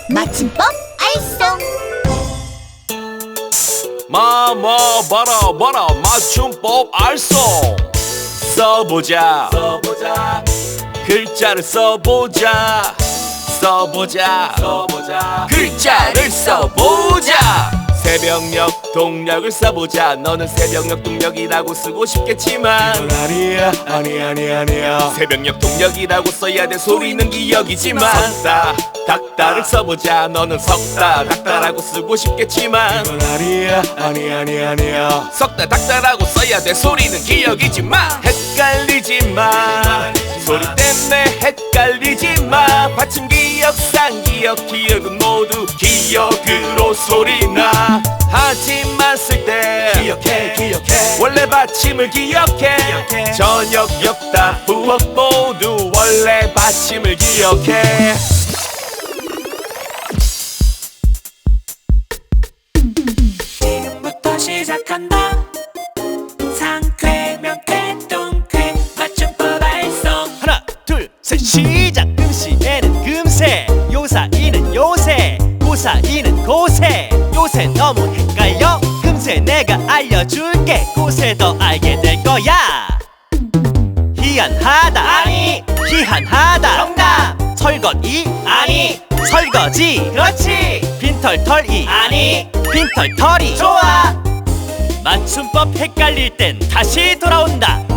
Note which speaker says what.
Speaker 1: 맞춤법 알쏭.
Speaker 2: 봐라 맞춤법 알쏭. 써보자 글자를 써보자 글자를 써보자. 새벽녘 동력을 써보자. 너는 새벽녘 동력이라고 쓰고 싶겠지만
Speaker 3: 이건 아니야.
Speaker 2: 새벽녘 동력이라고 써야 돼. 소리는 기억이지만 석다 닥다를 써보자. 너는 석다 닥다라고 쓰고 싶겠지만
Speaker 3: 이건 아니야.
Speaker 2: 석다 닥다라고 써야 돼. 소리는 기억이지만 헷갈리지마. 소리 때문에 헷갈리지마. 받침 기억 상기억 기억은 모두 기억으로 소리나. 하지만 쓸 때
Speaker 3: 기억해
Speaker 2: 원래 받침을 기억해. 저녁 역다 부엌 모두 원래 받침을 기억해.
Speaker 4: 지금부터 시작한다. 상쾌 명쾌 똥쾌 맞춤법 알쏭.
Speaker 5: 하나 둘 셋 시작. 금시에는 금세, 요사이는 요새, 고사이는 고세. 요새 너무 헷갈려. 금세 내가 알려줄게. 고세 더 알게 될 거야. 희한하다 아니, 희한하다 정답. 설거지 아니, 설거지 그렇지. 빈털털이 아니, 빈털털이 좋아. 맞춤법 헷갈릴 땐 다시 돌아온다.